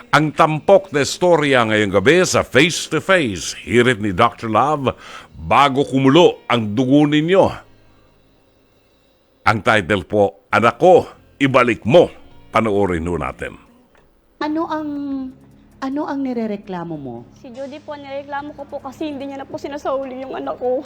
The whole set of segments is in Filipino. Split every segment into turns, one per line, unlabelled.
Ang tampok na istorya ngayong gabi sa Face to Face, hirit ni Dr. Love, bago kumulo ang dugo ninyo. Ang title po, Anak Ko, Ibalik Mo. Panoorin ho natin.
Ano ang nirereklamo mo?
Si Judy po, nireklamo ko po kasi hindi niya na po sinasauli yung anak ko.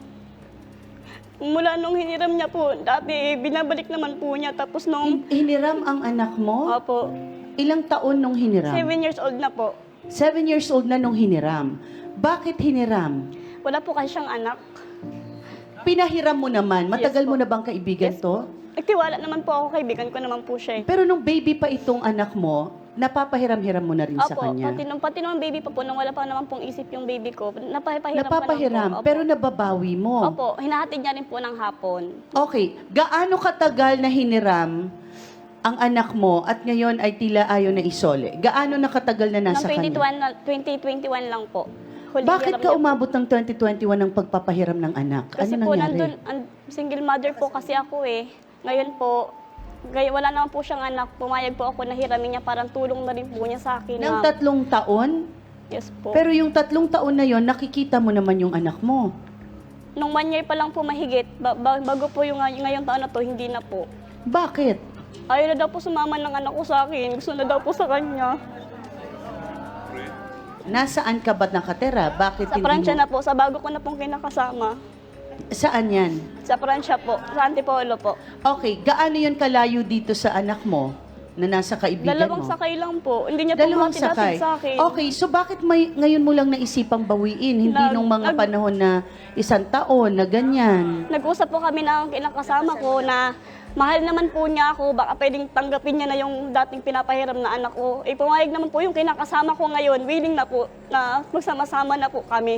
Mula nung hiniram niya po, dati binabalik naman po niya. Tapos nung,
Hiniram ang anak mo?
opo,
Ilang taon nung hiniram?
7 years old na po.
7 years old na nung hiniram. Bakit hiniram?
Wala po kasi siyang anak.
Pinahiram mo naman. Matagal
Yes,
mo
po.
na bang kaibigan
Yes,
to?
Nagtiwala naman po ako, kaibigan ko naman po siya.
Pero nung baby pa itong anak mo, napapahiram-hiram mo na rin sa
Opo,
kanya.
pati nung baby pa po, nung wala pa naman pong isip yung baby ko, napapahiram
Napapahiram,
pa lang po.
pero nababawi mo.
Opo, hinahatid niya rin po ng hapon.
Okay, gaano katagal na hiniram ang anak mo at ngayon ay tila ayaw na isole? Gaano na katagal na nasa
Noong
kanya?
2021 lang po. Huling
Bakit
hiram
ka
niya po.
umabot ng 2021 ng pagpapahiram ng anak?
Kasi
Ano
po,
nangyari?
single mother po kasi ako eh. Ngayon po, wala naman po siyang anak. Pumayag po ako na hiramin niya, parang tulong na rin po niya sa akin.
Ng
ma'am.
3 taon?
Yes po.
Pero yung 3 taon na yon, nakikita mo naman yung anak mo.
Nung 1 year pa lang po mahigit, bago po yung ngayong taon na to, hindi na po.
Bakit?
Ayaw na daw po sumama ng anak ko sa akin. Gusto na daw po sa kanya.
Nasaan ka ba nakatera? Bakit
Sa
hindi
Pransya
mo?
na po, sa bago ko na pong kinakasama.
Saan yan?
Sa Pransya po, sa Antipolo po.
Okay, gaano yun kalayo dito sa anak mo na nasa kaibigan
Dalawang
mo?
sakay lang po. Hindi niya po
Dalawang
hatid-hatid
sakay.
sa akin.
Okay, so bakit ngayon mo lang naisipang bawiin? Hindi nung mga panahon na 1 taon na ganyan.
Nag-usap po kami ng kinakasama ko na mahal naman po niya ako, baka pwedeng tanggapin niya na yung dating pinapahiram na anak ko. Eh, pumayag naman po yung kinakasama ko ngayon, willing na po na magsama-sama na po kami.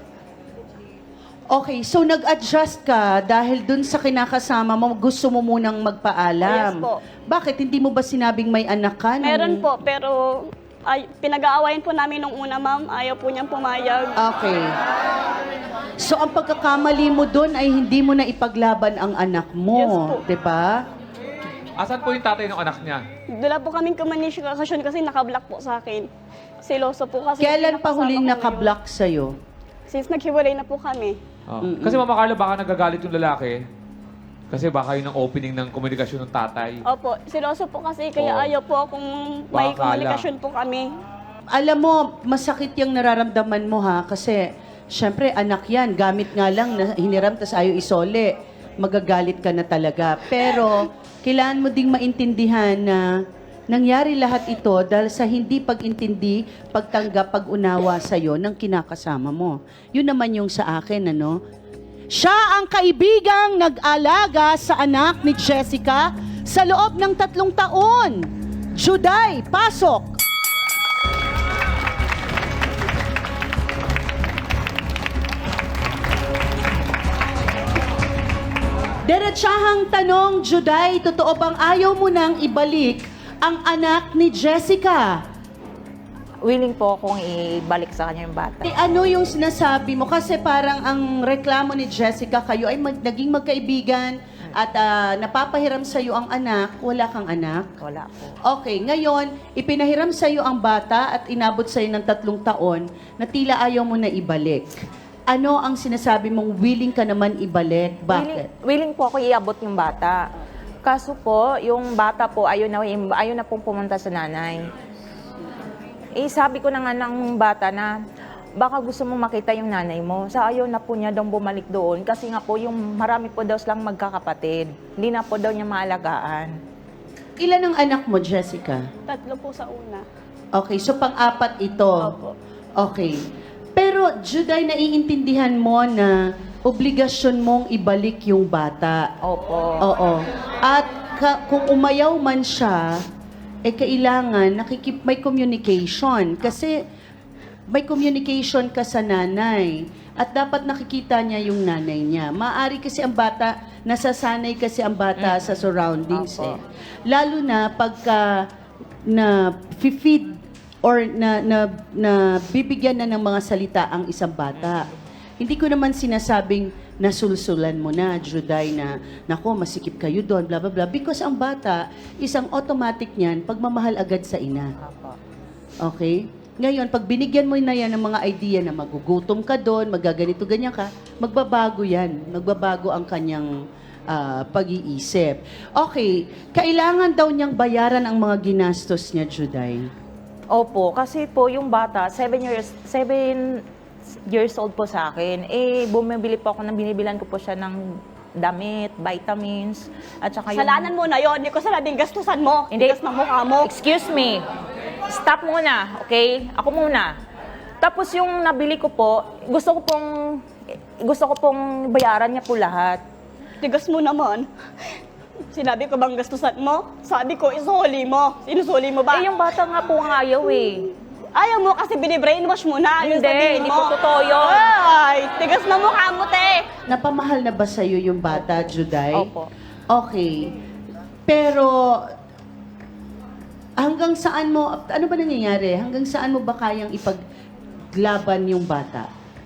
Okay, so nag-adjust ka dahil dun sa kinakasama mo, gusto mo munang magpaalam.
Yes po.
Bakit? Hindi mo ba sinabing may anak ka?
Meron po, pero pinag-aawayan po namin nung una, ma'am. Ayaw po niyang pumayag.
Okay. So ang pagkakamali mo doon ay hindi mo na ipaglaban ang anak mo,
Yes po.
'di ba?
Asan po yung tatay ng anak niya?
Wala po kaming komunikasyon kasi nakablock po sa akin. Seloso po kasi.
Kailan pa
kinakasama
huling
ko ngayon.
nakablock sa'yo?
Since naghiwalay na po kami.
Kasi Mama Carla, baka nagagalit yung lalaki. Kasi baka yun ang opening ng komunikasyon ng tatay.
Opo, seloso po kasi kaya
Oo.
ayaw po akong may
Baka
komunikasyon po kami.
Alam mo, masakit yung nararamdaman mo ha, kasi syempre anak yan, gamit nga lang na hiniram tas ayaw isole, magagalit ka na talaga. Pero kailangan mo ding maintindihan na nangyari lahat ito dahil sa hindi pag-intindi, pagtanggap, pag-unawa sa'yo ng kinakasama mo. Yun naman yung sa akin, ano? Siya ang kaibigang nag-alaga sa anak ni Jessica sa loob ng 3 taon. Juday, pasok! Diretsahang tanong, Juday, totoo bang ayaw mo nang ibalik ang anak ni Jessica?
Willing po akong ibalik sa kanya yung bata.
Ano yung sinasabi mo? Kasi parang ang reklamo ni Jessica, kayo ay naging magkaibigan at napapahiram sa'yo ang anak, wala kang anak.
Wala po.
Okay, ngayon, ipinahiram sa'yo ang bata at inabot sa'yo ng 3 taon na tila ayaw mo na ibalik. Ano ang sinasabi mong willing ka naman ibalik? Bakit?
Willing po ako iabot yung bata. Kaso po, yung bata po ayaw na pong pumunta sa nanay. Eh, sabi ko na nga ng bata na baka gusto mo makita yung nanay mo. Sa ayaw na po niya daw bumalik doon kasi nga po yung marami po daw silang magkakapatid. Hindi na po daw niya maalagaan.
Ilan ang anak mo, Jessica?
3 po sa una.
Okay, so pang-apat ito.
Opo.
Okay. Pero, Juday, naiintindihan mo na obligasyon mong ibalik yung bata.
Opo.
Oo. At kung umayaw man siya, kailangan may communication. Kasi may communication ka sa nanay. At dapat nakikita niya yung nanay niya. Maaari kasi ang bata, nasasanay kasi ang bata sa surroundings.
Opo.
Lalo na pagka na-feed or na bibigyan na ng mga salita ang isang bata. Hindi ko naman sinasabing nasulsulan mo na, Juday, na nako, masikip kayo doon, blah, blah, blah. Because ang bata, isang automatic niyan, pagmamahal agad sa ina.
Opo.
Okay? Ngayon, pag binigyan mo na yan ng mga idea na magugutom ka doon, magaganito, ganyan ka, magbabago yan. Magbabago ang kanyang pag-iisip. Okay, kailangan daw niyang bayaran ang mga ginastos niya, Juday.
Opo, kasi po yung bata, 7 years old po sa akin. Eh, bumibili po ako binibilan ko po siya ng damit, vitamins, at saka yung...
Kasalanan mo na yon, hindi ko sinabing gastusan mo.
Hindi.
Tigas ng mukha mo.
Excuse me. Stop muna, okay? Ako muna. Tapos yung nabili ko po, gusto ko pong bayaran niya po lahat.
Tigas mo naman. Sinabi ko bang gastusan mo? Sabi ko, isuli mo. Sinusuli mo ba?
Eh, yung bata nga po ang ayaw eh.
Ayaw mo kasi binibrainwash mo na. Yung
Hindi,
sabihin
hindi
mo.
po totoo yun.
Ay, tigas na mukha mo, te.
Napamahal na ba sa'yo yung bata, Juday?
Opo.
Okay. Pero, hanggang saan mo, ano ba nangyayari? Hanggang saan mo ba kayang ipaglaban yung bata?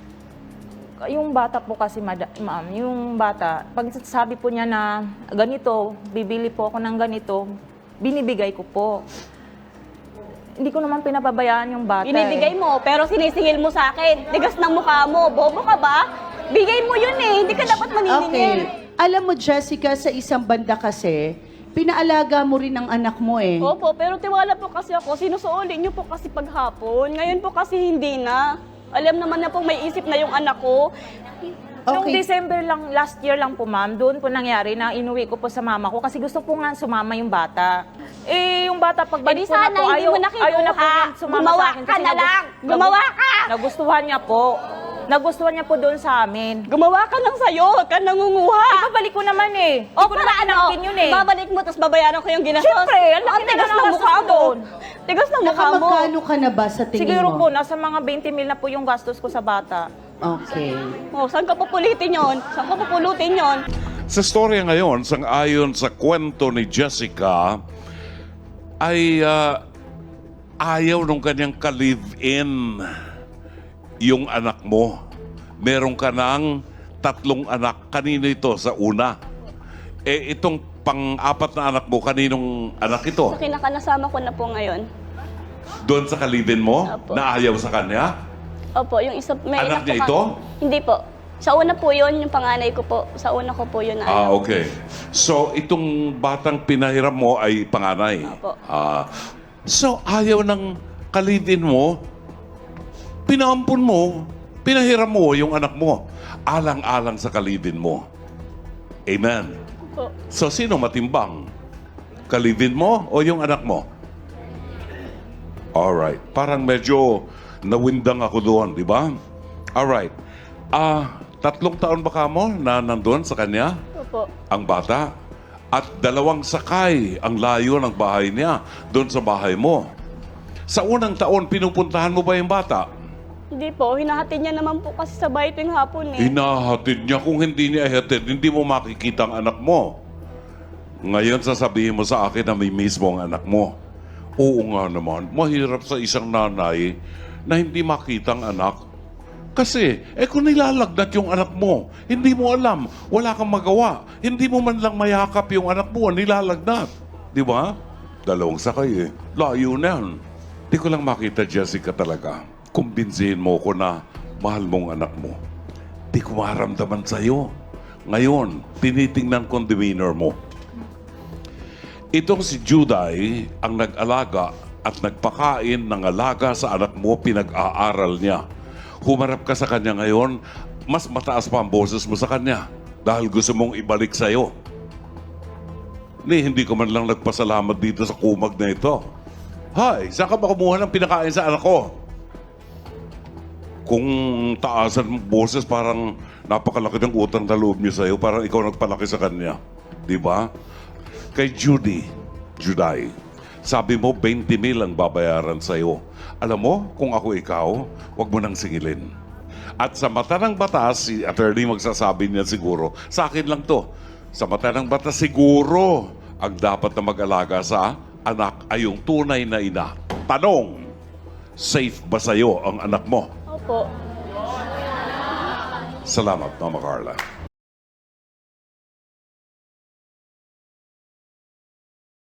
Yung bata po kasi, ma'am, yung bata, pag sabi po niya na ganito, bibili po ako ng ganito, binibigay ko po. Hindi ko naman pinapabayaan yung bata.
Binibigay mo, pero sinisingil mo sa akin. Tigas ng mukha mo. Bobo ka ba? Bigay mo yun eh. Hindi ka dapat maniningil.
Okay. Alam mo, Jessica, sa isang banda kasi, pinaalaga mo rin ang anak mo eh.
Opo, pero tiwala po kasi ako. Sinusuoli niyo po kasi paghapon. Ngayon po kasi hindi na. Alam naman na po may isip na yung anak ko.
Noong
Okay.
December lang, last year lang po ma'am, doon po nangyari na inuwi ko po sa mama ko kasi gusto po nga sumama yung bata. Eh, yung bata pagbalik
Eh, di
po na
sana
po,
hindi mo nakinuha.
ayaw na po niya sumama
Gumawa
sa akin.
ka na lang. Gumawa ka!
Nagustuhan niya po. Nagustuhan niya po doon sa amin.
Gumawa ka lang sa'yo. Huwag ka nangunguha.
Ibabalik ko naman eh.
O
Hindi ko
para
naman
ano?
inangkin yun eh.
Babalik mo, tapos babayaran ko yung ginastos.
Siyempre, ang laki
Ang tigas
na ng
ng
gastos
mukha
ko
mo.
doon.
Tigas ng mukha mo.
Nakamagkano ka na ba sa tingin
Siguro
mo?
po, nasa mga 20 mil na po yung gastos ko sa bata.
Okay.
Oh, saan ka pupulitin yon? Saan ka pupulutin yon?
Sa storya ngayon, sang-ayon sa kwento ni Jessica, ay ayaw nung kanyang ka-live-in yung anak mo. Meron ka ng 3 anak. Kanino ito sa una? Eh, itong pang-4 na anak mo, kaninong anak ito?
Sa kinakanasama ko na po ngayon.
Doon sa ka-live-in mo?
Opo.
Na ayaw sa kanya?
Opo, yung isa, may
Anak
anak
niya
po
ito?
Hindi po. Sa una po yun, yung panganay ko po. Sa una ko po yun na anak.
Okay. So, itong batang pinahiram mo ay panganay?
Opo.
So, ayaw ng kalidin mo, pinaampun mo, pinahiram mo yung anak mo, alang-alang sa kalidin mo. Amen.
Opo.
So, sino matimbang? Kalidin mo o yung anak mo? Alright. Parang medyo nawindang ako doon, di ba? Alright. 3 taon ba ka mo na nandun sa kanya?
Opo.
Ang bata. At 2 sakay ang layo ng bahay niya doon sa bahay mo. Sa unang taon, pinupuntahan mo ba yung bata?
Hindi po, hinahatid niya naman po kasi sa bahay tuwing hapon eh.
Hinahatid niya. Kung hindi niya ihatid, hindi mo makikita ang anak mo. Ngayon, sasabihin mo sa akin na may mismo ang anak mo. Oo nga naman, mahirap sa isang nanay na hindi makita ang anak. Kasi, kung nilalagnat yung anak mo, hindi mo alam, wala kang magawa. Hindi mo man lang mayakap yung anak mo, nilalagnat. Di ba? 2 sakay eh. Layo na yan. Di ko lang makita, Jessica, talaga. Kumbinsihin mo ko na mahal mong anak mo. Di ko maramdaman sa'yo. Ngayon, tinitingnan ko ang demeanor mo. Itong si Juday ang nag-alaga at nagpakain ng alaga sa anak mo, pinag-aaral niya. Humarap ka sa kanya ngayon, mas mataas pa ang boses mo sa kanya dahil gusto mong ibalik sa'yo. Hindi ko man lang nagpasalamat dito sa kumag na ito. Hay, saan ka ba kumuha ng pinakain sa anak ko? Kung taasan mo boses, parang napakalaki ng utang na loob niya sa'yo, parang ikaw nagpalaki sa kanya. Di ba? Kay Juday, sabi mo 20 mil ang babayaran sa'yo. Alam mo, kung ako ikaw, wag mo nang singilin. At sa mata ng batas, si attorney magsasabi niya siguro, sa akin lang to, sa mata ng batas siguro, ang dapat na mag-alaga sa anak ay yung tunay na ina. Tanong, safe ba sa'yo ang anak mo?
Opo.
Salamat, Mama Carla.